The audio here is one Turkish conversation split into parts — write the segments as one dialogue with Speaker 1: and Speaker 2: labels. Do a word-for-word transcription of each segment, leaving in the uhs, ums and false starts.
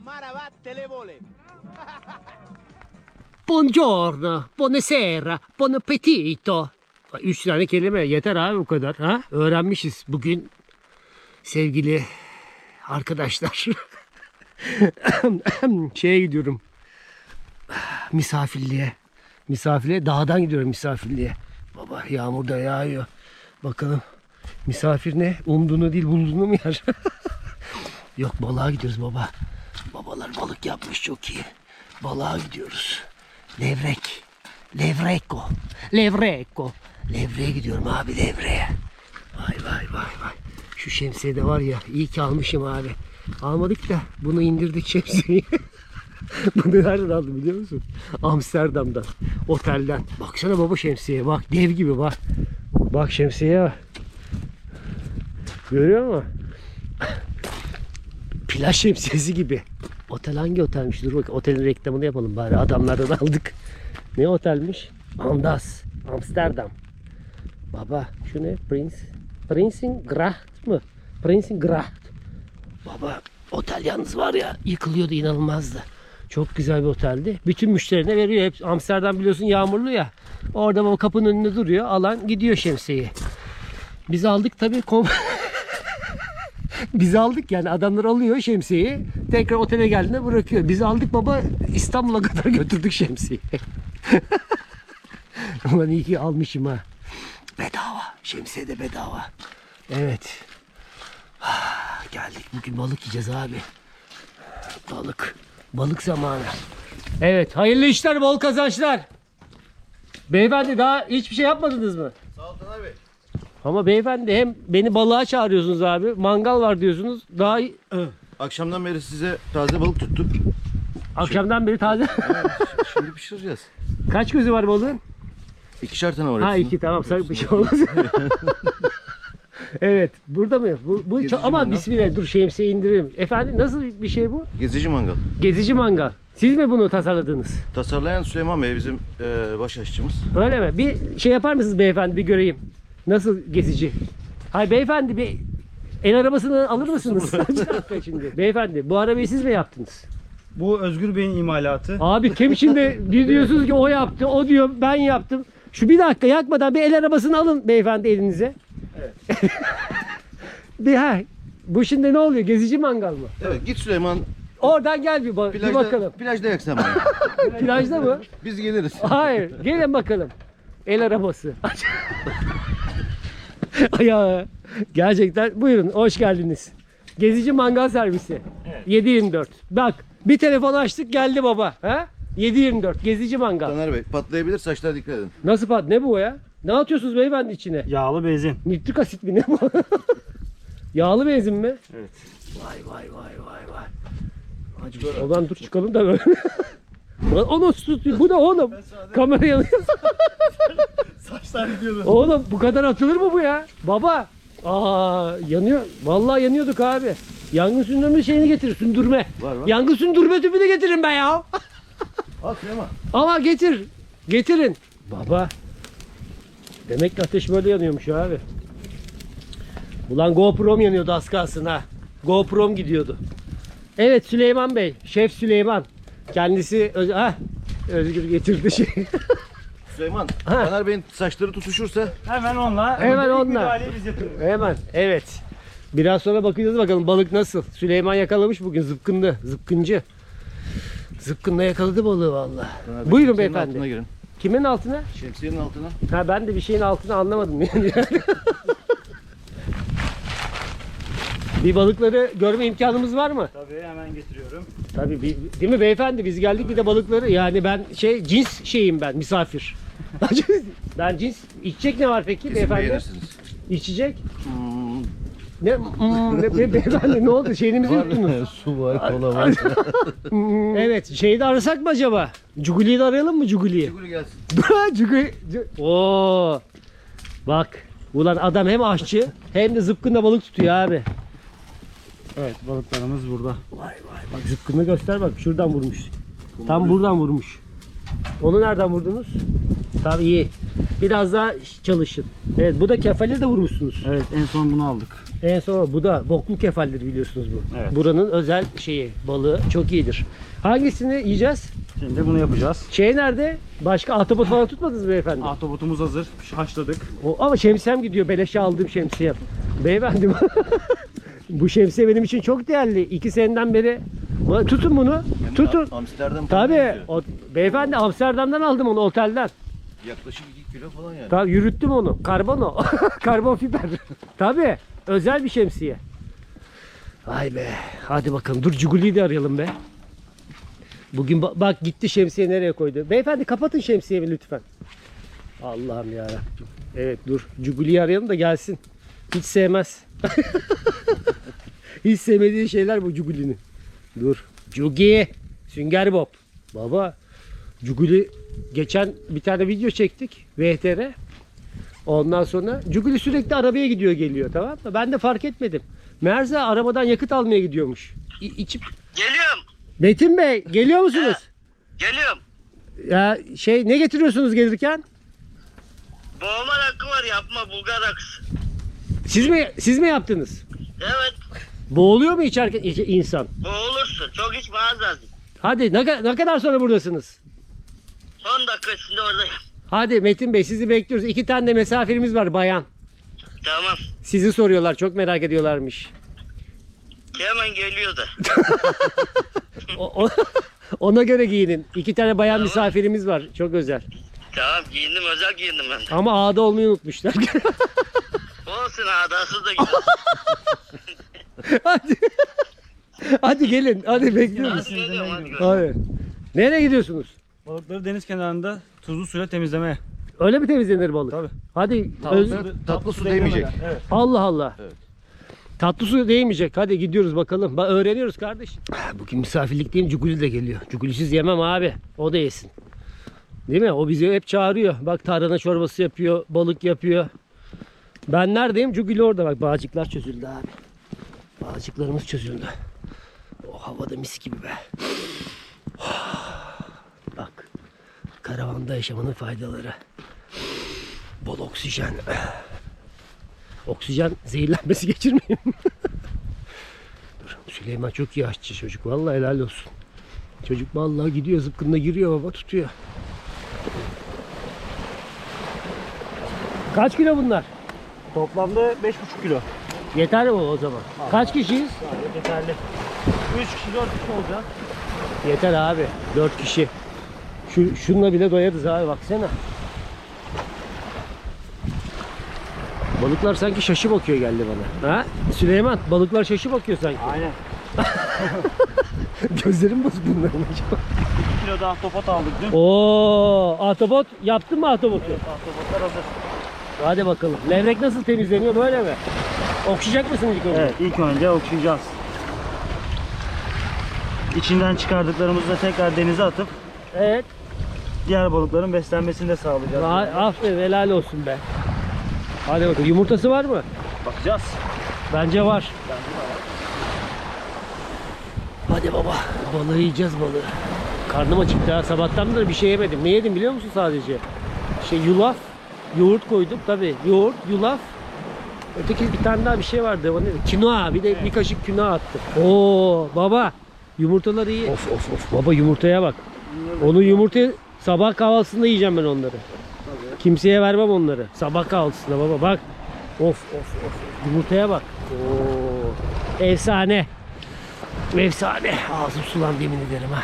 Speaker 1: Maravatte le vole.
Speaker 2: Buongiorno, buonasera, buon appetito. Üç tane kelime yeter abi bu kadar. Ha? Öğrenmişiz bugün sevgili arkadaşlar. Şeye gidiyorum. Misafirliğe. Misafirliğe dağdan gidiyorum misafirliğe. Baba yağmur da yağıyor. Bakalım misafir ne? Umduğunu değil bulduğunu mu yer? Yok balığa gidiyoruz baba. Babalar balık yapmış çok iyi. Balığa gidiyoruz. Levrek. Levreko. Levreko. Levreye gidiyorum abi levreye. Vay vay vay vay. Şu şemsiye de var ya iyi ki almışım abi. Almadık da bunu indirdik şemsiyeyi. Bunu nereden aldım biliyor musun? Amsterdam'dan. Otelden. Baksana baba şemsiyeye bak. Dev gibi bak. Bak şemsiyeye bak. Görüyor musun? Plaj şemsiyesi gibi. Otel hangi otelmiş? Dur bak otelin reklamını yapalım bari. Adamlardan aldık. Ne otelmiş? Amdas. Amsterdam. Baba şu ne? Prince. Prinsengracht mı? Prinsengracht. Baba otel yalnız var ya yıkılıyordu inanılmazdı. Çok güzel bir oteldi. Bütün müşterine veriyor. Hep Amsterdam biliyorsun yağmurlu ya. Orada baba kapının önünde duruyor. Alan gidiyor şemsiyeyi. Biz aldık tabii. Kom Biz aldık yani adamlar alıyor şemsiyeyi. Tekrar otele geldiğinde bırakıyor. Biz aldık baba İstanbul'a kadar götürdük şemsiyeyi. Ulan iyi ki almışım ha. Bedava. Şemsiye de bedava. Evet. Geldik bugün balık yiyeceğiz abi. Balık. Balık zamanı. Evet hayırlı işler bol kazançlar. Beyefendi daha hiçbir şey yapmadınız mı?
Speaker 1: Sağ ol Taner Bey.
Speaker 2: Ama beyefendi hem beni balığa çağırıyorsunuz abi. Mangal var diyorsunuz. Daha iyi-
Speaker 1: Akşamdan beri size taze balık tuttuk.
Speaker 2: akşamdan beri taze.
Speaker 1: Şimdi pişireceğiz.
Speaker 2: Kaç gözü var balığın?
Speaker 1: İkişer tane var
Speaker 2: Ha
Speaker 1: hepsinin.
Speaker 2: iki tamam sakın bir şey olmaz. Evet burada mı? Bu, bu
Speaker 1: Gezici
Speaker 2: ama
Speaker 1: mangal.
Speaker 2: bismillah dur şemsiye indirelim. Efendim nasıl bir şey bu?
Speaker 1: Gezici mangal.
Speaker 2: Gezici mangal. Siz mi bunu tasarladınız?
Speaker 1: Tasarlayan Süleyman Bey bizim e, baş aşçımız.
Speaker 2: Öyle mi? Bir şey yapar mısınız beyefendi bir göreyim. Nasıl gezici? Hayır beyefendi bir el arabasını alır mısınız? Şimdi beyefendi bu arabayı siz mi yaptınız?
Speaker 3: Bu Özgür Bey'in imalatı.
Speaker 2: Abi kim şimdi bir diyorsunuz ki o yaptı, o diyor ben yaptım. Şu bir dakika yakmadan bir el arabasını alın beyefendi elinize.
Speaker 3: Evet.
Speaker 2: bir ha. Bu şimdi ne oluyor? Gezici mangal mı?
Speaker 1: Evet git Süleyman
Speaker 2: Oradan gel bir, ba- bir
Speaker 1: plajda,
Speaker 2: bakalım.
Speaker 1: plajda yak sen bana.
Speaker 2: Plajda mı?
Speaker 1: Biz geliriz.
Speaker 2: Hayır. Gelin bakalım. El arabası. Ya gerçekten buyurun hoş geldiniz. Gezici mangal servisi.
Speaker 3: Evet.
Speaker 2: yedi yirmi dört. Bak bir telefon açtık geldi baba. Ha? yedi yirmi dört gezici mangal.
Speaker 1: Taner Bey patlayabilir saçlara dikkat edin.
Speaker 2: Nasıl pat? Ne bu ya? Ne atıyorsunuz beyefendi içine?
Speaker 3: Yağlı benzin.
Speaker 2: Nitrik asit mi ne bu? Yağlı benzin mi?
Speaker 3: Evet.
Speaker 2: Vay vay vay vay vay. Hadi oradan dur çıkalım da böyle. Ulan o nasıl tutuyor? Bu ne oğlum? Kamera yanıyor.
Speaker 3: Saçlar gidiyordu.
Speaker 2: Oğlum bu kadar atılır mı bu ya? Baba. Aa yanıyor. Vallahi yanıyorduk abi. Yangın söndürme şeyini getir. Sündürme.
Speaker 1: Var, var.
Speaker 2: Yangın söndürme tüpü de getirin be ya.
Speaker 1: Al Süleyman.
Speaker 2: Ama getir. Getirin. Baba. Demek ki ateş böyle yanıyormuş abi. Ulan GoPro'm yanıyordu az kalsın ha. GoPro'm gidiyordu. Evet Süleyman Bey. Şef Süleyman. Kendisi öz ha, Özgür getirdi şey.
Speaker 1: Süleyman
Speaker 2: Ha.
Speaker 1: Taner Bey'in saçları tutuşursa
Speaker 3: Hemen onunla.
Speaker 2: Hemen
Speaker 3: ilk
Speaker 2: onunla.
Speaker 3: müdahaleyi biz yapıyoruz.
Speaker 2: Hemen evet. Biraz sonra bakacağız bakalım balık nasıl. Süleyman yakalamış bugün zıpkınlı. Zıpkıncı. Zıpkınla yakaladı balığı vallahi.
Speaker 1: Taner Bey,
Speaker 2: Buyurun
Speaker 1: şemsiyenin altına
Speaker 2: beyefendi.
Speaker 1: girin.
Speaker 2: Kimin altına?
Speaker 1: Şemsiyenin altına.
Speaker 2: Ha ben de bir şeyin altına anlamadım yani. Bir balıkları görme imkanımız var mı?
Speaker 3: Tabii hemen getiriyorum.
Speaker 2: Tabii bir- değil mi beyefendi biz geldik bir de balıkları yani ben şey cins şeyim ben misafir. Ben cins içecek ne var peki
Speaker 1: Kesin
Speaker 2: beyefendi?
Speaker 1: beğenirsiniz.
Speaker 2: İçecek
Speaker 1: Hmm,
Speaker 2: ne, hmm, ne be- beyefendi ne oldu şeyinizi yuttunuz?
Speaker 1: su var, kola var.
Speaker 2: Hmm, evet şeyi de arasak mı acaba? Cuguli'yi de arayalım mı Cuguli'yi?
Speaker 1: Çukur gelsin.
Speaker 2: Cuguli. Cu- Oo. Bak ulan adam hem aşçı hem de zıpkınla balık tutuyor abi.
Speaker 3: Evet balıklarımız burada.
Speaker 2: Vay vay bak zıpkını göster bak şuradan vurmuş. Tam buradan vurmuş. Onu nereden vurdunuz? Tam iyi. Biraz daha çalışın. Evet, bu da kefale de vurmuşsunuz.
Speaker 3: Evet, en son bunu aldık.
Speaker 2: En son bu da boklu kefaldir biliyorsunuz bu.
Speaker 3: Evet.
Speaker 2: Buranın özel şeyi, balığı çok iyidir. Hangisini yiyeceğiz?
Speaker 3: Şimdi bunu yapacağız.
Speaker 2: Şey nerede? Başka ahtapot falan tutmadınız mı beyefendi?
Speaker 3: Ahtapotumuz hazır. Haşladık.
Speaker 2: O, ama şemsiyem gidiyor. Beleşe aldığım şemsiyem. Beyefendi bu şemsiye benim için çok değerli. İki seneden beri. Ba- Tutun bunu. Tutun.
Speaker 1: Amsterdam
Speaker 2: Tabii. O, beyefendi Amsterdam'dan aldım onu otelden.
Speaker 1: yaklaşık iki kilo falan yani.
Speaker 2: Tabii yürüttüm onu. Karbon o. Karbon fiber. Tabii. Özel bir şemsiye. Vay be. Hadi bakalım. Dur Cuguli'yi de arayalım be. Bugün ba- bak gitti şemsiye nereye koydu. Beyefendi kapatın şemsiyemi lütfen. Allah'ım yarabbim. Evet dur. Cuguli'yi arayalım da gelsin. Hiç sevmez. Hiç sevmediği şeyler bu Cuguli'nin. Dur. Cugi. Sünger Bob. Baba. Cuguli geçen bir tane video çektik. V T R. Ondan sonra Cuguli sürekli arabaya gidiyor geliyor, tamam mı? Ben de fark etmedim. Meğerse arabadan yakıt almaya gidiyormuş. İ- içip...
Speaker 4: Geliyorum.
Speaker 2: Metin Bey geliyor musunuz?
Speaker 4: Geliyorum.
Speaker 2: Ya şey ne getiriyorsunuz gelirken?
Speaker 4: Boğma rakı var yapma Bulgar rakısı.
Speaker 2: Siz mi siz mi yaptınız?
Speaker 4: Evet.
Speaker 2: Boğuluyor mu içerken iç- insan?
Speaker 4: Boğulursun. Çok içme az az.
Speaker 2: Hadi ne, ka- ne kadar sonra buradasınız?
Speaker 4: Son dakika içinde oradayım.
Speaker 2: Hadi Metin Bey sizi bekliyoruz. İki tane de misafirimiz var bayan.
Speaker 4: Tamam.
Speaker 2: Sizi soruyorlar, çok merak ediyorlarmış.
Speaker 4: Hemen geliyor da.
Speaker 2: O- o- ona göre giyinin. İki tane bayan misafirimiz var. Çok özel.
Speaker 4: Tamam giyindim özel giyindim ben de.
Speaker 2: Ama ağda olmayı unutmuşlar.
Speaker 4: Olsun adasız da gidiyor.
Speaker 2: Hadi. Hadi gelin. Hadi bekliyoruz.
Speaker 4: Hadi geliyorum hadi geliyorum.
Speaker 2: Hadi. Nereye gidiyorsunuz?
Speaker 3: Balıkları deniz kenarında tuzlu suyla temizlemeye.
Speaker 2: Öyle mi temizlenir balık?
Speaker 3: Tabii.
Speaker 2: Hadi. öz-
Speaker 1: Tatlı su değmeyecek.
Speaker 3: Evet.
Speaker 2: Allah Allah.
Speaker 1: Evet.
Speaker 2: Tatlı su değmeyecek. Hadi gidiyoruz bakalım. Bak öğreniyoruz kardeş. Bugün misafirlikteyim. Cuguli de geliyor. Cugulisiz yemem abi. O da yesin. Değil mi? O bizi hep çağırıyor. Bak tarhana çorbası yapıyor. Balık yapıyor. Ben neredeyim? Cuguli orada. Bak bağcıklar çözüldü abi. Bağcıklarımız çözüldü. O havada mis gibi be. Bak. Karavanda yaşamanın faydaları. Bol oksijen. Oksijen zehirlenmesi geçirmeyin. Dur, Süleyman çok iyi aşçı çocuk. Vallahi helal olsun. Çocuk vallahi gidiyor zıpkınla giriyor baba tutuyor. Kaç kilo bunlar?
Speaker 3: Toplamda beş buçuk kilo.
Speaker 2: Yeter mi o zaman? Kaç kişiyiz?
Speaker 3: Gayet yeterli. üç kişi dört kişi olacak.
Speaker 2: Yeter abi. dört kişi. Şu, şununla bile doyarız abi baksana. Balıklar sanki şaşı bakıyor geldi bana. Ha? Süleyman balıklar şaşı bakıyor sanki.
Speaker 3: Aynen.
Speaker 2: Gözlerim bozuk bunların acaba.
Speaker 3: bir kilo da ahtapot aldık dün.
Speaker 2: Oo, ahtapot yaptın mı ahtapotu?
Speaker 3: Ahtapotlar hazır.
Speaker 2: Hadi bakalım. Levrek nasıl temizleniyor böyle mi? Okşayacak mısın ilk önce?
Speaker 3: Evet, ilk önce okşayacağız. İçinden çıkardıklarımızı da tekrar denize atıp
Speaker 2: Evet.
Speaker 3: diğer balıkların beslenmesini de sağlayacağız.
Speaker 2: Vay, aferin helal olsun be. Hadi bakalım. Yumurtası var mı?
Speaker 3: Bakacağız.
Speaker 2: Bence var. Hadi baba. Balığı yiyeceğiz balığı. Karnım acıktı ha. Sabahtan beri bir şey yemedim. Ne yedim biliyor musun sadece? Şey yulaf. Yoğurt koydum tabii. Yoğurt, yulaf. Öteki bir tane daha bir şey vardı. O neydi? Kinoa. Bir de bir kaşık kinoa attım. Oo baba. Yumurtalar iyi. Of of of. Baba yumurtaya bak. Onu yumurta sabah kahvaltısında yiyeceğim ben onları. Kimseye vermem onları. Sabah kahvaltısında baba bak. Of of of. Yumurtaya bak. Oo. Efsane. Efsane. Ağzım sulandı yemin ederim ha.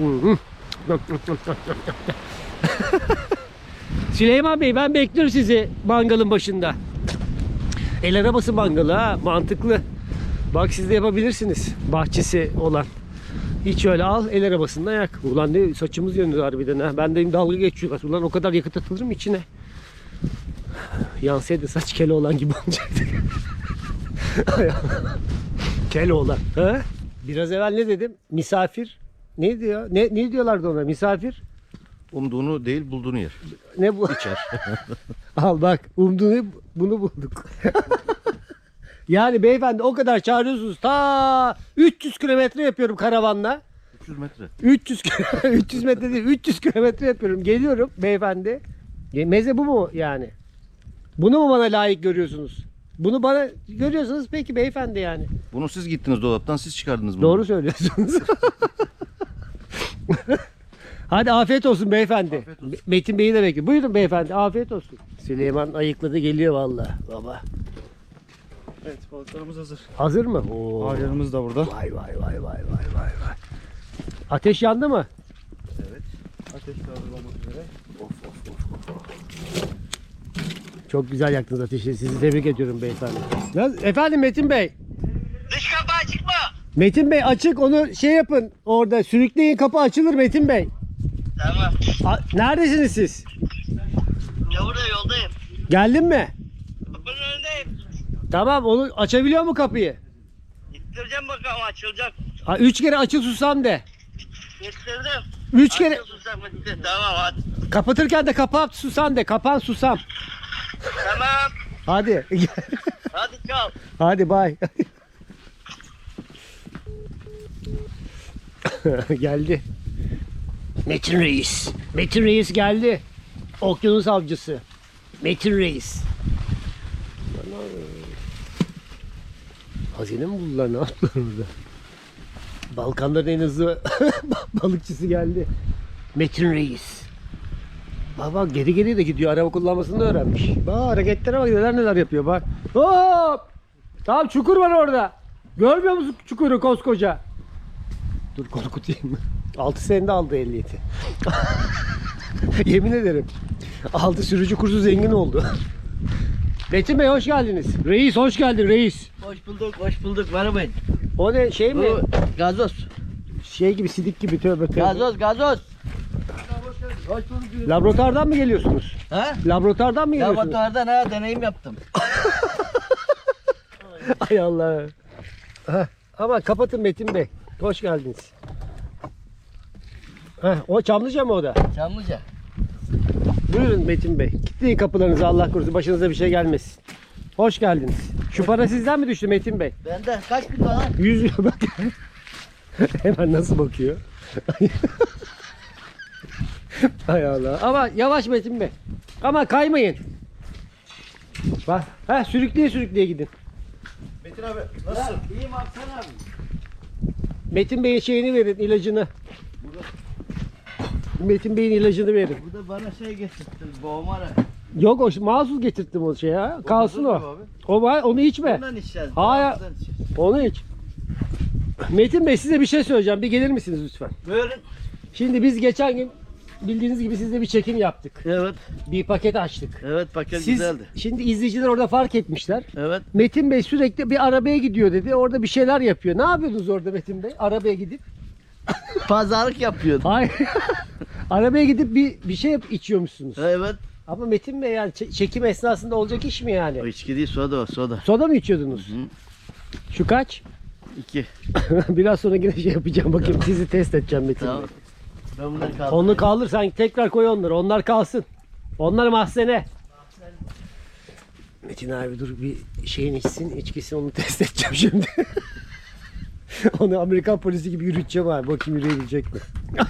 Speaker 2: Süleyman Bey ben bekliyorum sizi mangalın başında. El arabası mangalı ha. Mantıklı. Bak siz de yapabilirsiniz. Bahçesi olan. Hiç öyle al el arabasında yak. Ulan ne saçımız yanıyor harbiden ha. Ben de dalga geçiyorlar. Ulan o kadar yakıt atılır mı içine? Yansaydı saç kele olan gibi olacaktı. Kele olan. Ha? Biraz evvel ne dedim? Misafir. Ne diyor? Ne, ne diyorlardı ona? Misafir.
Speaker 1: Umduğunu değil bulduğunu yer.
Speaker 2: Ne bu?
Speaker 1: İçer.
Speaker 2: Al bak. Umduğunu bunu bulduk. Yani beyefendi o kadar çağırıyorsunuz. Ta üç yüz kilometre yapıyorum karavanla.
Speaker 1: üç yüz metre.
Speaker 2: üç yüz üç yüz metre değil üç yüz kilometre yapıyorum. Geliyorum beyefendi. Ya meze bu mu yani? Bunu mu bana layık görüyorsunuz? Bunu bana görüyorsunuz peki beyefendi yani.
Speaker 1: Bunu siz gittiniz dolaptan, siz çıkardınız bunu.
Speaker 2: Doğru söylüyorsunuz. Hadi afiyet olsun beyefendi.
Speaker 1: Afiyet olsun.
Speaker 2: Metin Bey'i de bekliyor. Buyurun beyefendi afiyet olsun. Süleyman ayıkladı geliyor vallahi baba.
Speaker 3: Evet balıklarımız hazır.
Speaker 2: Hazır mı? Oo.
Speaker 3: Ağlarımız da burada.
Speaker 2: Vay vay vay vay vay vay vay. Ateş yandı mı?
Speaker 3: Ateş de hazır olmak üzere.
Speaker 2: Of of of of. Çok güzel yaktınız ateşi. Sizi tebrik ediyorum beyefendi. Nasıl- Efendim Metin Bey.
Speaker 4: Dış kapı açık mı?
Speaker 2: Metin Bey açık onu şey yapın. Orada sürükleyin kapı açılır Metin Bey.
Speaker 4: Tamam.
Speaker 2: A- Neredesiniz siz?
Speaker 4: Ya burada yoldayım.
Speaker 2: Geldin mi?
Speaker 4: Kapının önündeyim.
Speaker 2: Tamam onu açabiliyor mu kapıyı?
Speaker 4: İttireceğim bakalım açılacak.
Speaker 2: Ha, üç kere açıl susam de.
Speaker 4: İttirdim.
Speaker 2: Üç kere
Speaker 4: Açıl susam bitti. Tamam hadi.
Speaker 2: kapatırken de kapat susam de. Kapan susam.
Speaker 4: Tamam.
Speaker 2: Hadi.
Speaker 4: Hadi çal.
Speaker 2: Hadi bay. Geldi. Metin Reis. Metin Reis geldi. Okyanus avcısı. Metin Reis. Hazine mi buldular ne yaptılar orada? Balkanların en hızlı balıkçısı geldi. Metin Reis. Bak bak geri geri de gidiyor. Araba kullanmasını da öğrenmiş. Bak hareketlere bak neler neler yapıyor bak. Hop! Tamam çukur var orada. Görmüyor musun çukuru koskoca? Dur korkutayım. altı senede aldı ehliyeti. Yemin ederim. Aldı sürücü kursu zengin oldu. Metin Bey hoş geldiniz. Reis hoş geldin reis.
Speaker 5: Hoş bulduk, hoş bulduk. Merhabayın.
Speaker 2: O ne şey mi?
Speaker 5: Bu gazoz.
Speaker 2: Şey gibi sidik gibi tövbe tövbe.
Speaker 5: Gazoz, gazoz. Hoş bulduk.
Speaker 2: Laboratuvardan mı geliyorsunuz?
Speaker 5: Ha?
Speaker 2: Laboratuvardan mı geliyorsunuz?
Speaker 5: Laboratuvardan ha deneyim yaptım.
Speaker 2: Ay Allah. Heh, ama kapatın Metin Bey. Hoş geldiniz. Heh, o Çamlıca mı o da?
Speaker 5: Çamlıca.
Speaker 2: Buyurun Metin Bey. Kilitleyin kapılarınızı Allah korusun. Başınıza bir şey gelmesin. Hoş geldiniz. Şu para sizden mi düştü Metin Bey?
Speaker 5: Bende kaç bin dolar?
Speaker 2: yüz lira bak. Hemen nasıl bakıyor? Hay Allah. Ama yavaş Metin Bey. Ama kaymayın. Bak. Ha sürükleye sürükleye gidin.
Speaker 1: Metin abi nasılsın?
Speaker 5: İyiyim abi sen abi.
Speaker 2: Metin Bey'e şeyini verin, ilacını. Metin Bey'in ilacını verin.
Speaker 5: Bu da bana şey getirtti, boğmara.
Speaker 2: Yok o mahsus getirttim o şey ya. Kalsın o.
Speaker 5: Abi.
Speaker 2: O var, onu içme.
Speaker 5: Bundan içeceğiz.
Speaker 2: Hayır.
Speaker 5: bundan içeceğiz.
Speaker 2: Onu iç. Metin Bey size bir şey söyleyeceğim. Bir gelir misiniz lütfen?
Speaker 5: Buyurun.
Speaker 2: Şimdi biz geçen gün bildiğiniz gibi sizle bir çekim yaptık.
Speaker 5: Evet,
Speaker 2: Bir paket açtık.
Speaker 5: evet paket
Speaker 2: Siz
Speaker 5: güzeldi.
Speaker 2: şimdi izleyiciler orada fark etmişler.
Speaker 5: Evet.
Speaker 2: Metin Bey sürekli bir arabaya gidiyor dedi. Orada bir şeyler yapıyor. Ne yapıyordunuz orada Metin Bey? Arabaya gidip.
Speaker 5: Pazarlık yapıyordum.
Speaker 2: Hayır. Arabaya gidip bir bir şey yap, içiyormuşsunuz.
Speaker 5: Evet.
Speaker 2: Ama Metin Bey yani çe- çekim esnasında olacak iş mi yani?
Speaker 5: O içki değil, soda o, soda.
Speaker 2: Soda mı içiyordunuz?
Speaker 5: Hı.
Speaker 2: Şu kaç?
Speaker 5: İki.
Speaker 2: Biraz sonra yine şey yapacağım bakayım sizi test edeceğim Metin
Speaker 5: Tamam.
Speaker 2: Bey.
Speaker 5: Ben bunları kaldım.
Speaker 2: Onu kaldır sen tekrar koy onları. Onlar kalsın. Onlar mahzene. Metin abi dur bir şeyin içsin, içkisini onu test edeceğim şimdi. Onu Amerikan polisi gibi yürüteceğim abi. Bakayım yürüyebilecek mi?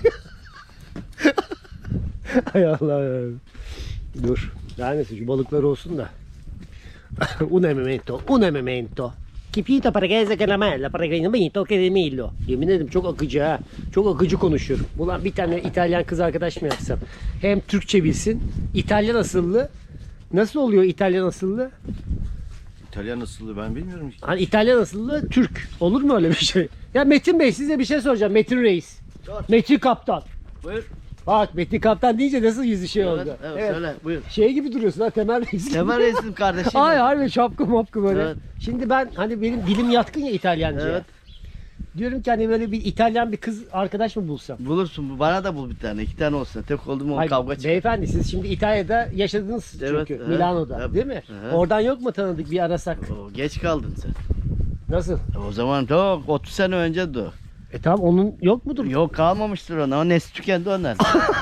Speaker 2: Hay Allah. Dur. Daha neyse şu balıklar olsun da. Un memento, un memento. Kipito para que se caramella, para que no que de milo. Yemin ederim çok akıcı ha. Çok akıcı konuşuyorum. Ulan bir tane İtalyan kız arkadaş mı yapsam? Hem Türkçe bilsin, İtalyan asıllı. Nasıl oluyor İtalyan asıllı?
Speaker 1: İtalyan nasıldı ben bilmiyorum ki.
Speaker 2: Hani İtalyan asıllı Türk. Olur mu öyle bir şey? Ya Metin Bey size bir şey soracağım. Metin Reis.
Speaker 5: Sor.
Speaker 2: Metin Kaptan.
Speaker 5: Buyur.
Speaker 2: Bak Metin Kaptan deyince nasıl yüzü şey
Speaker 5: Evet,
Speaker 2: oldu?
Speaker 5: evet, söyle, buyur.
Speaker 2: Şey gibi duruyorsun ha Temel Reis gibi.
Speaker 5: Temel Reis'im kardeşim.
Speaker 2: Ay harbi şapka mapka böyle.
Speaker 5: Evet.
Speaker 2: Şimdi ben hani benim dilim yatkın ya İtalyanca'ya.
Speaker 5: Evet.
Speaker 2: Diyorum ki hani böyle bir İtalyan bir kız arkadaş mı bulsam?
Speaker 5: Bulursun. Bana da bul bir tane. İki tane olsun. Tek oldu mu
Speaker 2: Hayır,
Speaker 5: kavga çıkar.
Speaker 2: beyefendi siz şimdi İtalya'da yaşadınız çünkü
Speaker 5: Evet, evet,
Speaker 2: Milano'da
Speaker 5: evet.
Speaker 2: değil mi?
Speaker 5: Evet.
Speaker 2: Oradan yok mu tanıdık bir arasak?
Speaker 5: Oo, geç kaldın sen.
Speaker 2: Nasıl?
Speaker 5: O zaman çok otuz sene önce de o.
Speaker 2: E tamam onun yok mudur?
Speaker 5: Yok kalmamıştır ona. O nesli tükendi onlar.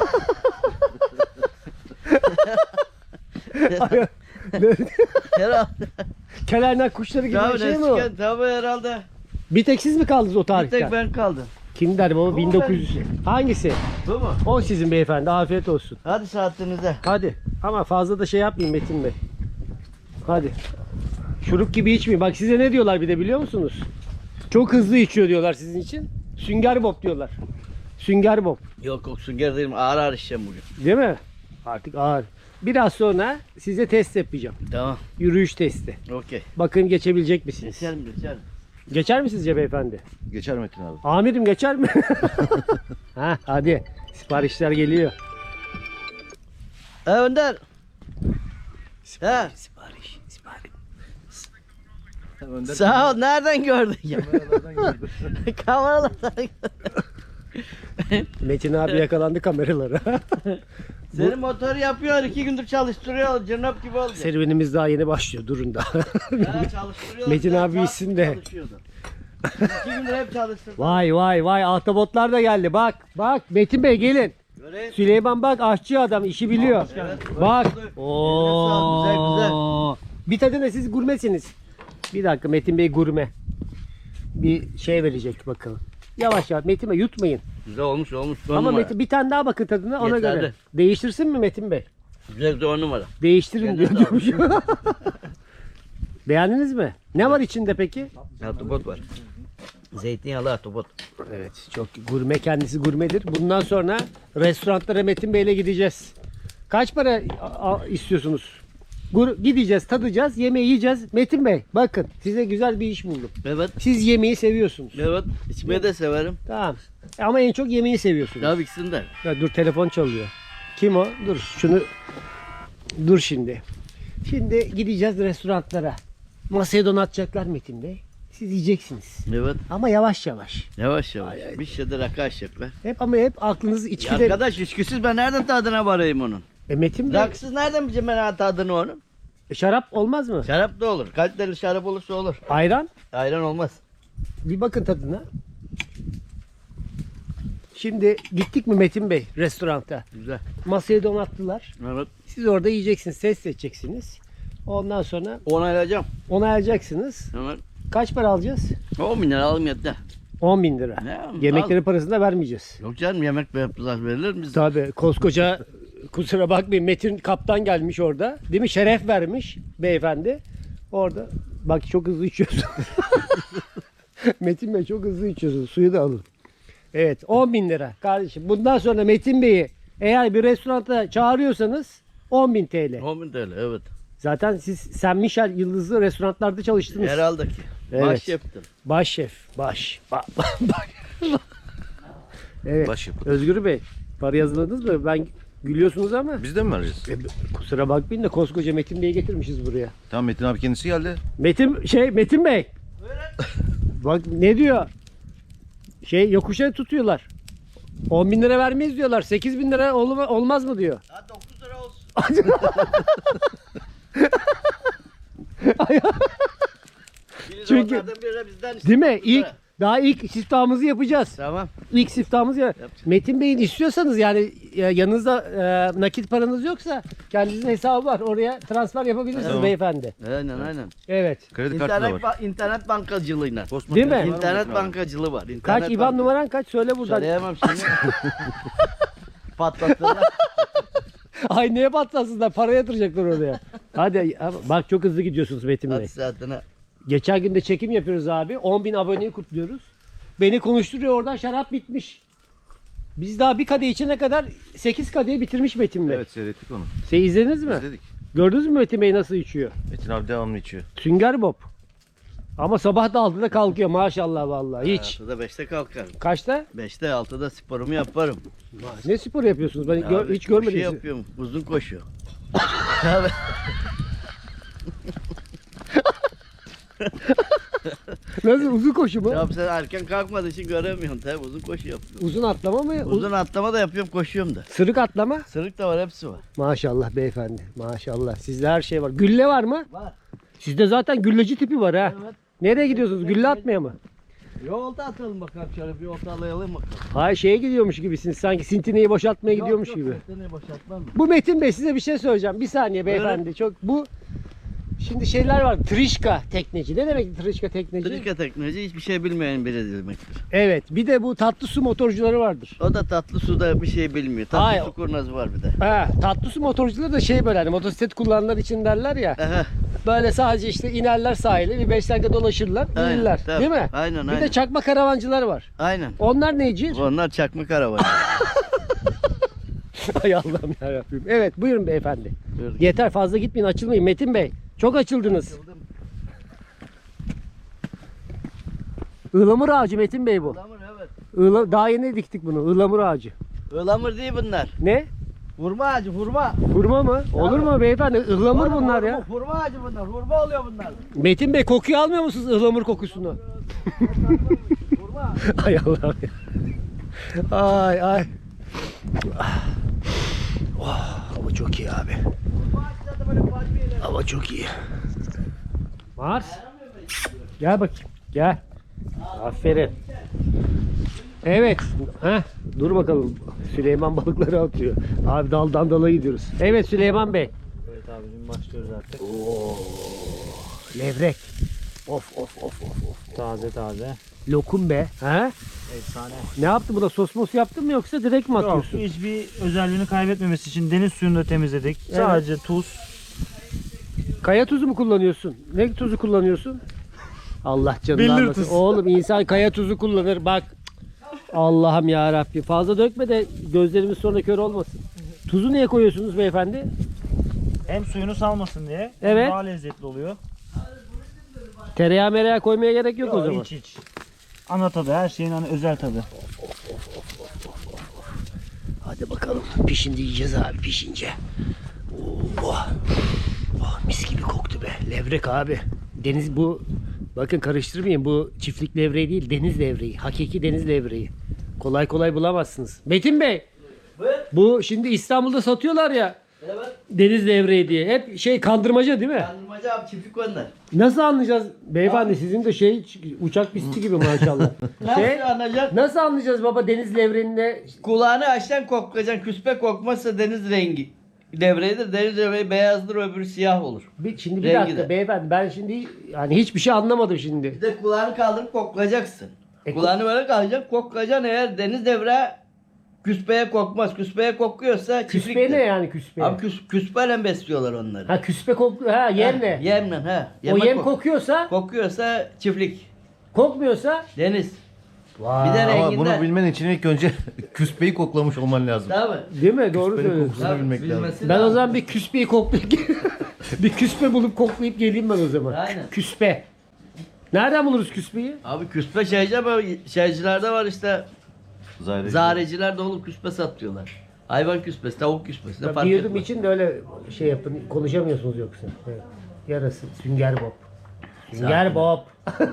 Speaker 5: Herhalde.
Speaker 2: Kelerden kuşları gibi
Speaker 5: Tabii
Speaker 2: bir şey mi
Speaker 5: nesli
Speaker 2: o?
Speaker 5: tükendi. Tabii herhalde.
Speaker 2: Bir tek siz mi kaldınız o
Speaker 5: Bir
Speaker 2: tarihten?
Speaker 5: tek ben kaldım.
Speaker 2: Kim der baba?
Speaker 5: Bu
Speaker 2: bin dokuz yüz. Hangisi?
Speaker 5: Bu mu?
Speaker 2: O sizin beyefendi. Afiyet olsun.
Speaker 5: Hadi saatinize.
Speaker 2: Hadi. Ama fazla da şey yapmayın Metin Bey. Hadi. Şurup gibi içmeyin. Bak size ne diyorlar bir de biliyor musunuz? Çok hızlı içiyor diyorlar sizin için. Sünger Bob diyorlar. Sünger Bob.
Speaker 5: Yok yok sünger değilim. Ağır ağır içeceğim bugün.
Speaker 2: Değil mi? Artık ağır. Biraz sonra size test yapacağım.
Speaker 5: Tamam.
Speaker 2: Yürüyüş testi.
Speaker 5: Okey.
Speaker 2: Bakın geçebilecek misiniz?
Speaker 5: Geçerim geçerim.
Speaker 2: Geçer mi sizce beyefendi?
Speaker 1: Geçer Metin abi.
Speaker 2: Amirim geçer mi? Ha, hadi. Siparişler geliyor.
Speaker 5: Ha Önder. Ha.
Speaker 2: Sipariş, sipariş.
Speaker 1: Önder
Speaker 5: Sağ ol. Nereden gördün ya?
Speaker 1: kameralardan gördüm.
Speaker 5: Kameralardan.
Speaker 2: Metin abi yakalandı kameralara.
Speaker 5: Senin motoru yapıyor. iki gündür çalıştırıyor. Cırnap gibi oldu.
Speaker 2: Serüvenimiz daha yeni başlıyor. Durun da.
Speaker 5: Ha, çalıştırıyor.
Speaker 2: Metin
Speaker 5: Sen
Speaker 2: abi
Speaker 5: saat
Speaker 2: iyisin de.
Speaker 5: çalışıyordu. İki gündür hep çalıştırdı.
Speaker 2: Vay vay vay ahtapotlar da geldi. Bak bak Metin Bey gelin.
Speaker 5: Göreyim.
Speaker 2: Süleyman bak aşçı adam işi biliyor.
Speaker 5: Evet.
Speaker 2: Bak.
Speaker 5: Eline sağlık, güzel, güzel.
Speaker 2: Oo. Bir tadına siz gurmesiniz. Bir dakika Metin Bey gurme. Bir şey verecek bakalım. Yavaş yavaş Metin Bey yutmayın.
Speaker 5: Güzel olmuş olmuş. On
Speaker 2: Ama
Speaker 5: numara.
Speaker 2: Metin bir tane daha bakın tadına ona
Speaker 5: Yeterli.
Speaker 2: göre. Değiştirsin mi Metin Bey?
Speaker 5: Güzel güzel on numara.
Speaker 2: Değiştirin diyor.
Speaker 5: Kendine
Speaker 2: diyormuş. Beğendiniz mi? Ne var içinde peki?
Speaker 5: Ahtapot var. Zeytinyağlı ahtapot.
Speaker 2: Evet çok gurme kendisi gurmedir. Bundan sonra restoranlara Metin Bey'le gideceğiz. Kaç para a- a- istiyorsunuz? Gur gideceğiz, tadacağız, yemeği yiyeceğiz. Metin Bey bakın size güzel bir iş buldum.
Speaker 5: Evet.
Speaker 2: Siz yemeği seviyorsunuz.
Speaker 5: Evet. İçmeyi de severim.
Speaker 2: Tamam. Ama en çok yemeği seviyorsunuz.
Speaker 5: Tabii ikisini de.
Speaker 2: Ya dur telefon çalıyor. Kim o? Dur şunu dur şimdi. Şimdi gideceğiz restoranlara. Masaya donatacaklar Metin Bey. Siz yiyeceksiniz.
Speaker 5: Evet.
Speaker 2: Ama yavaş yavaş.
Speaker 5: Yavaş yavaş. Bir şeyde rakı açacaklar.
Speaker 2: Hep ama hep aklınız
Speaker 5: Ya
Speaker 2: içkide.
Speaker 5: arkadaş içkisiz ben nereden tadına varayım onun?
Speaker 2: E Metin Bey
Speaker 5: Rakısız nereden bileceğim ben tadını onun?
Speaker 2: e, şarap olmaz mı?
Speaker 5: Şarap da olur. Kaliteli şarap olursa olur.
Speaker 2: Ayran.
Speaker 5: Ayran olmaz.
Speaker 2: Bir bakın tadına. Şimdi gittik mi Metin Bey restoranta?
Speaker 5: Güzel.
Speaker 2: Masaya donattılar.
Speaker 5: Evet.
Speaker 2: Siz orada yiyeceksiniz, test edeceksiniz. Ondan sonra
Speaker 5: Onaylayacağım.
Speaker 2: onaylayacaksınız.
Speaker 5: Evet.
Speaker 2: Kaç para alacağız?
Speaker 5: on bin lira alayım yeter.
Speaker 2: on bin lira.
Speaker 5: Ne?
Speaker 2: Yemeklerin parasını da vermeyeceğiz.
Speaker 5: Yok canım yemek yaptılar verilir mi?
Speaker 2: Tabii koskoca kusura bakmayın Metin kaptan gelmiş orada. Değil mi? Şeref vermiş beyefendi. Orada bak çok hızlı içiyorsun. Metin Bey çok hızlı içiyorsun. Suyu da alın. Evet on bin lira kardeşim. Bundan sonra Metin Bey'i eğer bir restoranta çağırıyorsanız on bin T L.
Speaker 5: on bin T L evet.
Speaker 2: Zaten siz Saint Michel yıldızlı restoranlarda çalıştınız.
Speaker 5: Herhalde ki.
Speaker 2: Evet.
Speaker 5: Baş yaptım.
Speaker 2: Baş şef. Baş. Ba- ba- ba- evet.
Speaker 1: Baş yapın.
Speaker 2: Özgür Bey para yazıladınız mı? Ben gülüyorsunuz ama.
Speaker 1: Biz de mi vereceğiz?
Speaker 2: E, kusura bakmayın da koskoca Metin Bey'i getirmişiz buraya.
Speaker 1: Tamam Metin abi kendisi geldi.
Speaker 2: Metin şey Metin Bey. Bak ne diyor? Şey yokuşa tutuyorlar. on bin lira vermeyiz diyorlar. sekiz bin lira olma- olmaz mı diyor.
Speaker 5: Ha dokuz lira olsun.
Speaker 2: Çünkü-
Speaker 5: Çünkü biri bizden işte
Speaker 2: Değil mi?
Speaker 5: dokuz lira.
Speaker 2: İlk daha ilk siftahımızı yapacağız.
Speaker 5: Tamam.
Speaker 2: İlk siftahımızı ya-
Speaker 5: Yapacağız.
Speaker 2: Metin Bey'in istiyorsanız yani e, yanınızda e, nakit paranız yoksa kendinizin hesabı var. Oraya transfer yapabilirsiniz
Speaker 1: Tamam.
Speaker 2: beyefendi.
Speaker 5: Aynen aynen.
Speaker 2: Evet.
Speaker 1: Kredi kartı da
Speaker 5: İnternet,
Speaker 1: var.
Speaker 5: ba- internet bankacılığıyla.
Speaker 1: Postmark
Speaker 2: Değil mi?
Speaker 1: kartı var mı
Speaker 5: İnternet
Speaker 1: Metin abi?
Speaker 5: bankacılığı var.
Speaker 2: Kaç
Speaker 5: İnternet
Speaker 2: İban
Speaker 5: banka-
Speaker 2: numaran kaç? Söyle buradan.
Speaker 5: Söyleyemem şimdi. Patlatırlar.
Speaker 2: Ay neye patlasınlar? Para yatıracaklar oraya. Hadi ama bak çok hızlı gidiyorsunuz Metin Bey.
Speaker 5: Hadi saatine.
Speaker 2: Geçen gün de çekim yapıyoruz abi. on bin aboneyi kutluyoruz. Beni konuşturuyor oradan şarap bitmiş. Biz daha bir kadeh içene kadar sekiz kadehi bitirmiş Metin Bey.
Speaker 1: Evet seyrettik onu.
Speaker 2: Şey izlediniz mi?
Speaker 1: İzledik.
Speaker 2: Gördünüz mü Metin Bey nasıl içiyor?
Speaker 1: Metin abi devamlı içiyor.
Speaker 2: Sünger Bob. Ama sabah da altıda kalkıyor maşallah vallahi hiç.
Speaker 5: altıda beşte kalkarım.
Speaker 2: Kaçta?
Speaker 5: beşte altıda sporumu yaparım.
Speaker 2: Ne spor yapıyorsunuz? Ben gör-
Speaker 5: Abi,
Speaker 2: hiç görmedim.
Speaker 5: Şey
Speaker 2: sizi.
Speaker 5: yapıyorum. Uzun koşu.
Speaker 2: Nasıl uzun koşu mu?
Speaker 5: Ya sen erken kalkmadığın için göremiyorsun tabii uzun koşu yapıyorum.
Speaker 2: Uzun atlama mı? Uz-
Speaker 5: Uzun atlama da yapıyorum koşuyorum da.
Speaker 2: Sırık atlama?
Speaker 5: Sırık da var hepsi var.
Speaker 2: Maşallah beyefendi. Maşallah. Sizde her şey var. Gülle var mı?
Speaker 5: Var.
Speaker 2: Sizde zaten gülleci tipi var ha.
Speaker 5: Evet.
Speaker 2: Nereye gidiyorsunuz? Gülle atmaya mı?
Speaker 5: Yolda atalım bakalım şöyle bir olta alayalım bakalım.
Speaker 2: Hayır şeye gidiyormuş gibisiniz. Sanki sintineyi boşaltmaya gidiyormuş
Speaker 5: Yok,
Speaker 2: gibi.
Speaker 5: yok, seni boşaltmam mı?
Speaker 2: Bu Metin Bey size bir şey söyleyeceğim. Bir saniye beyefendi. Çok bu Şimdi şeyler var. Trişka tekneci. Ne demek trişka tekneci?
Speaker 5: Trika teknoloji hiçbir şey bilmeyen biri demektir.
Speaker 2: Evet. Bir de bu tatlı su motorcuları vardır.
Speaker 5: O da tatlı suda bir şey bilmiyor. Tatlı
Speaker 2: Hayır.
Speaker 5: su kurnazı var bir de.
Speaker 2: Ha, tatlı su motorcuları da şey böyle hani motosiklet kullananlar için derler ya.
Speaker 5: Aha,
Speaker 2: Böyle sadece işte inerler sahile bir beş dakika dolaşırlar,
Speaker 5: Aynen,
Speaker 2: gelirler.
Speaker 5: tabii.
Speaker 2: Değil mi?
Speaker 5: Aynen,
Speaker 2: Bir
Speaker 5: aynen.
Speaker 2: de çakma karavancılar var.
Speaker 5: aynen.
Speaker 2: Onlar neci?
Speaker 5: Onlar çakma karavan.
Speaker 2: Ay Allah'ım yarabbim. Evet buyurun beyefendi.
Speaker 5: Buyurun.
Speaker 2: Yeter fazla gitmeyin açılmayın Metin Bey. Çok açıldınız. Ilamur ağacı Metin Bey bu.
Speaker 5: Ilamur evet.
Speaker 2: Iğla, daha yeni diktik bunu. Ilamur ağacı.
Speaker 5: Ilamur değil bunlar.
Speaker 2: Ne?
Speaker 5: Hurma ağacı, hurma.
Speaker 2: Hurma mı? Olur mu beyefendi? Ihlamur
Speaker 5: Oğlum,
Speaker 2: bunlar
Speaker 5: hurma,
Speaker 2: ya.
Speaker 5: Hurma ağacı bunlar. Hurma oluyor bunlar.
Speaker 2: Metin Bey kokuyu almıyor musunuz ıhlamur kokusunu?
Speaker 5: Hurma.
Speaker 2: Ay Allah'ım ya. Ay ay. Oh, hava çok iyi abi.
Speaker 5: Hurma ağaçları da böyle palmiyeler.
Speaker 2: Hava çok iyi. Mars. Gel bakayım. Gel. Aferin. Evet. Heh, dur bakalım. Süleyman balıkları atıyor. Abi daldan dala gidiyoruz. Evet Süleyman Bey.
Speaker 3: Evet abicim başlıyoruz artık.
Speaker 2: Oo, levrek. Of of of of of.
Speaker 3: Taze taze.
Speaker 2: Lokum be. Ha?
Speaker 3: Efsane.
Speaker 2: Ne yaptı bu da sos mos yaptın mı yoksa direkt mi
Speaker 3: Yok,
Speaker 2: atıyorsun?
Speaker 3: hiçbir özelliğini kaybetmemesi için deniz suyunu da temizledik.
Speaker 2: Evet.
Speaker 3: Sadece tuz.
Speaker 2: Kaya tuzu mu kullanıyorsun? Ne tuzu kullanıyorsun? Allah canını
Speaker 3: Billur
Speaker 2: almasın.
Speaker 3: tuz.
Speaker 2: Oğlum insan kaya tuzu kullanır bak. Allah'ım ya Rabbi. Fazla dökme de gözlerimiz sonra kör olmasın. Tuzu niye koyuyorsunuz beyefendi?
Speaker 3: Hem suyunu salmasın diye.
Speaker 2: Evet.
Speaker 3: Daha lezzetli oluyor.
Speaker 2: Tereyağı mereyağı koymaya gerek yok, o
Speaker 3: Yok,
Speaker 2: zaman.
Speaker 3: hiç hiç. Ana tadı, her şeyin hani özel tadı.
Speaker 2: Hadi bakalım. Pişince yiyeceğiz abi pişince. Oh, oh, mis gibi koktu be. Levrek abi. Deniz bu. Bakın karıştırmayın. Bu çiftlik levreği değil. Deniz levreği. Hakiki deniz levreği. Kolay kolay bulamazsınız. Metin Bey.
Speaker 5: Buyur.
Speaker 2: Bu şimdi İstanbul'da satıyorlar ya.
Speaker 5: Evet.
Speaker 2: Deniz levreği diye. Hep şey kandırmaca değil mi?
Speaker 5: Kandırmacı abi çiftlik onlar.
Speaker 2: Nasıl anlayacağız? Beyefendi sizin de şey uçak pisti gibi maşallah.
Speaker 5: Nasıl
Speaker 2: şey,
Speaker 5: anlayacaksın?
Speaker 2: nasıl anlayacağız baba deniz levreğinde?
Speaker 5: Kulağını açtan koklayacaksın. Küspe kokmazsa deniz rengi. Devredir. Deniz devreyi beyazdır, öbürü siyah olur.
Speaker 2: Bir, şimdi bir
Speaker 5: Rengi
Speaker 2: dakika
Speaker 5: de.
Speaker 2: beyefendi ben şimdi yani hiçbir şey anlamadım şimdi.
Speaker 5: Bir de kulağını kaldırıp koklayacaksın.
Speaker 2: E,
Speaker 5: kulağını böyle kaldıracaksın, koklayacaksın. Eğer deniz devre küspeye kokmaz. Küspeye kokuyorsa çiftliktir.
Speaker 2: Küspe ne yani küspe?
Speaker 5: Abi küs, küspeyle besliyorlar onları.
Speaker 2: Ha küspe kokluyor ha yemle.
Speaker 5: Ha, Yemle ha.
Speaker 2: O
Speaker 5: Yemek
Speaker 2: yem
Speaker 5: kok-
Speaker 2: kokuyorsa,
Speaker 5: kokuyorsa çiftlik.
Speaker 2: kokmuyorsa
Speaker 5: Deniz.
Speaker 2: vay.
Speaker 5: Bir de
Speaker 1: Ama
Speaker 5: renginden.
Speaker 1: bunu bilmen için ilk önce küspeyi koklamış olman lazım.
Speaker 5: Tabii.
Speaker 2: Değil mi? Doğru
Speaker 1: Küspenin
Speaker 2: söylüyorsun.
Speaker 1: kokusunu bilmek lazım.
Speaker 5: bilmesi
Speaker 2: Ben o
Speaker 5: lazım.
Speaker 2: zaman bir küspeyi koklayıp bir küspe bulup koklayıp geleyim ben o zaman.
Speaker 5: Aynen.
Speaker 2: Küspe. Nereden buluruz küspeyi?
Speaker 5: Abi küspe şeyci ama şeycilerde var işte.
Speaker 1: Zareci.
Speaker 5: Zareciler de olup küspe satıyorlar. Hayvan küspesi, tavuk küspesi de
Speaker 2: Ya
Speaker 5: fark
Speaker 2: bir yudum
Speaker 5: etmez.
Speaker 2: için de öyle şey yapın. Konuşamıyorsunuz yoksa. Evet. Yarası. Sünger Bob. Sünger
Speaker 5: Zaten.
Speaker 2: Bob.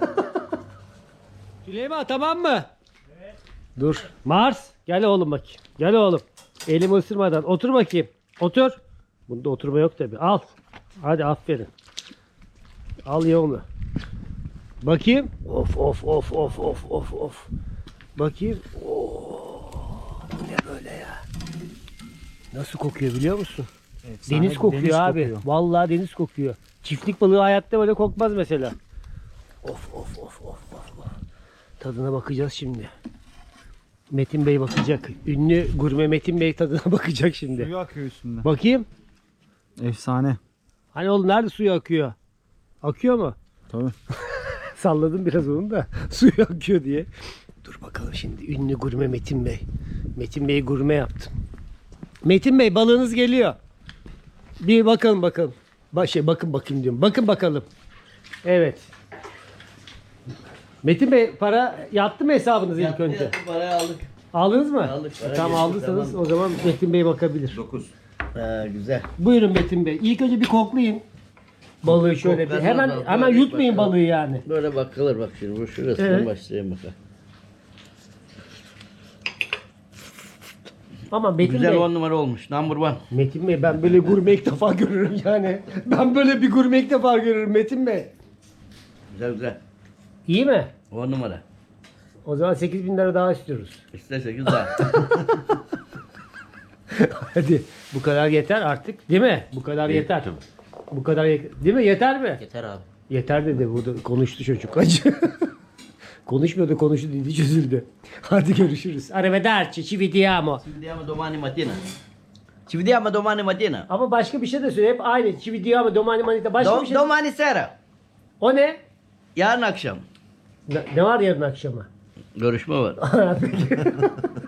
Speaker 2: Süleyman tamam mı? Evet. Dur. Mars. Gel oğlum bakayım. Gel oğlum. Elimi ısırmadan. Otur bakayım. Otur. Bunda oturma yok tabi. Al. Hadi aferin. Al ye onu. Bakayım. Of of of of of of of. Bakayım. Oo. Bu ne böyle ya? Nasıl kokuyor biliyor musun?
Speaker 3: Efsane
Speaker 2: Deniz
Speaker 3: bir
Speaker 2: kokuyor
Speaker 3: deniz
Speaker 2: abi.
Speaker 3: kokuyor.
Speaker 2: Vallahi deniz kokuyor. Çiftlik balığı hayatta böyle kokmaz mesela. Of of of of of. of. Tadına bakacağız şimdi. Metin Bey bakacak. Ünlü gurme Metin Bey tadına bakacak şimdi.
Speaker 3: Suyu akıyor üstünde.
Speaker 2: Bakayım.
Speaker 3: Efsane.
Speaker 2: Hani oğlum nerede suyu akıyor? Akıyor mu?
Speaker 3: Tabii.
Speaker 2: Salladım biraz onu da suyu akıyor diye. Dur bakalım şimdi ünlü gurme Metin Bey. Metin Bey gurme yaptım. Metin Bey balığınız geliyor. Bir bakalım bakalım. Ba şey, bakın bakayım diyorum. Bakın bakalım. Evet. Metin Bey para yattı mı hesabınız ilk
Speaker 5: Yattı,
Speaker 2: önce?
Speaker 5: yattı, parayı aldık.
Speaker 2: Aldınız mı?
Speaker 5: Aldık, para
Speaker 2: Tamam
Speaker 5: geçti,
Speaker 2: aldıysanız
Speaker 5: tamam.
Speaker 2: o zaman Metin Bey bakabilir.
Speaker 1: dokuz.
Speaker 5: Ha, güzel.
Speaker 2: Buyurun Metin Bey. İlk önce bir koklayın. Balığı şöyle bir.
Speaker 5: Koklar,
Speaker 2: Hemen
Speaker 5: koklar,
Speaker 2: hemen
Speaker 5: böyle
Speaker 2: yutmayın
Speaker 5: bakalım.
Speaker 2: balığı yani.
Speaker 5: Böyle bakılır bak şimdi. Bu şurasından
Speaker 2: Evet.
Speaker 5: başlayayım bakalım.
Speaker 2: Ama Metin
Speaker 5: Güzel
Speaker 2: Bey.
Speaker 5: on numara olmuş. Number one.
Speaker 2: Metin Bey ben böyle gurme ilk defa görürüm yani. Ben böyle bir gurme ilk defa görürüm Metin Bey.
Speaker 5: Güzel güzel.
Speaker 2: İyi mi?
Speaker 5: on numara.
Speaker 2: O zaman sekiz bin lira daha istiyoruz.
Speaker 5: İşte sekiz daha.
Speaker 2: Hadi bu kadar yeter artık değil mi? Bu kadar
Speaker 1: İyi,
Speaker 2: yeter.
Speaker 1: tabii.
Speaker 2: Bu kadar ye- değil mi? Yeter mi?
Speaker 5: Yeter abi.
Speaker 2: Yeter dedi. Burada konuştu çocuk. Acı. Konuşmuyordu, konuştu dedi, çözüldü. Hadi görüşürüz. Arrivederci, ci vediamo.
Speaker 5: Ci vediamo domani mattina. Ci vediamo domani mattina.
Speaker 2: Ama başka bir şey de söyle. Hep aynı. Ci vediamo, domani manita. Başka
Speaker 5: Do-
Speaker 2: bir şey.
Speaker 5: domani sera.
Speaker 2: O ne?
Speaker 5: Yarın akşam.
Speaker 2: Ne, ne var yarın akşama?
Speaker 5: Görüşme var.
Speaker 2: Peki.